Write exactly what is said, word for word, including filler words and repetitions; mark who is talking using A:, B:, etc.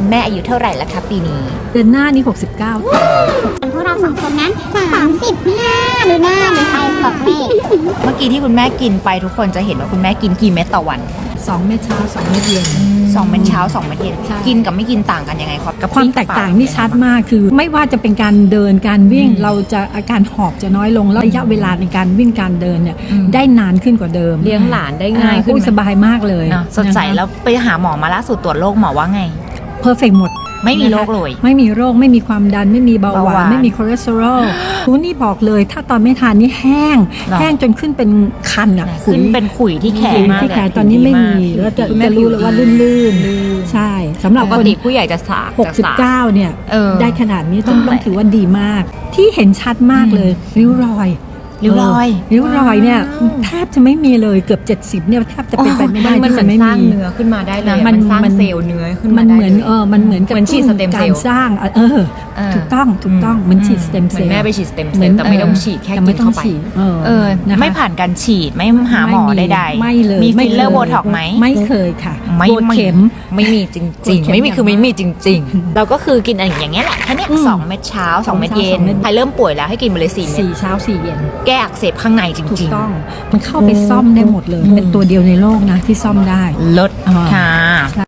A: คุณแม่อายุเท่าไหร่แล้วคะปีนี้
B: เดือนหน้านี่หกสิบเก้า
C: พวกเราสองคนนั้นสามสิบห้าหรือหน้าหรือไทยบอกเลข
A: เมื่อกี้ที่คุณแม่กินไปทุกคนจะเห็นว่าคุณแม่กินกี่เม็ดต่อวัน
B: สองเม็ดเช้าสองเม็ดเย็น
A: สองเม็ดเช้าสองเม็ดเย็นกินกับไม่กินต่างกันยังไงครับกับ
B: ความแตกต่างนี่ชัดมากคือไม่ว่าจะเป็นการเดินการวิ่งเราจะอาการหอบจะน้อยลงแล้วระยะเวลาในการวิ่งการเดินเนี่ยได้นานขึ้นกว่าเดิม
A: เลี้ยงหลานได้ง่ายขึ้น
B: สบายมากเลย
A: สดใสแล้วไปหาหมอมาล่าสุดตรวจโรคหมอว่าไง
B: เพอร์เฟกต์หมด
A: ไม่มีโรคเลย
B: ไม่มีโรคไม่มีความดันไม่มีเบาหวานไม่มีคอเลสเตอรอลคุณนี่บอกเลยถ้าตอนไม่ทานนี่แห้งแห้งจนขึ้นเป็นคันอ่ะ
A: ขึ้นเป็นขุยที่แขนมากเลย
B: ตอนนี้ไม่มีแล้วจะจะรู้เลยว่าลื่นๆใช่สำหรับ
A: ปกติผู้ใหญ่จะสาก
B: หกสิบเก้าเนี่ยได้ขนาดนี้ต้องต้องถือว่าดีมากที่เห็นชัดมากเลยริ้วรอย
A: ริ้วรอย
B: ริ้วรอยเนี่ยแทบจะไม่มีเลยเกือบเจ็ดสิบเนี่ยแทบจะเป็นไปไม่ได้
A: มันเหมือนสร้างเนื้อขึ้นมาได้เลยมันสร้างเซลล์เนื้อขึ้นมาได้
B: มันเหมือนเออมันเหมือนกับ
A: ฉีดสเต็มเซลล์
B: สร้างเออถูกต้องถูกต้องเหมือนฉีดสเต็มเซลล์
A: แม่ไปฉีดสเต็มเซลล์แต่ไม่ต้องฉีดแค่กินเข้าไปเออไม่ผ่านการฉีดไม่หาหมอใดๆ
B: ไม่เลย
A: มีฟิลเลอร์โบท็อกไหม
B: ไม่เคยค่ะ
A: ไม่เข็มไม่มีจริงๆไม่มีคือไม่มีจริงๆเราก็คือกินอย่างเงี้ยแหละแค่นี้สองเม็ดเช้าสองเม็ดเย็นใครเริ่มป่วยแล้วให้กินไปเลยสี่เม็ด
B: สี่เช้าสี่เย็น
A: แก้อักเสบข้างในจริง
B: ๆต้องมันเข้าไปซ่อมได้หมดเลยเป็นตัวเดียวในโลกนะที่ซ่อมได้
A: ลดค่ะ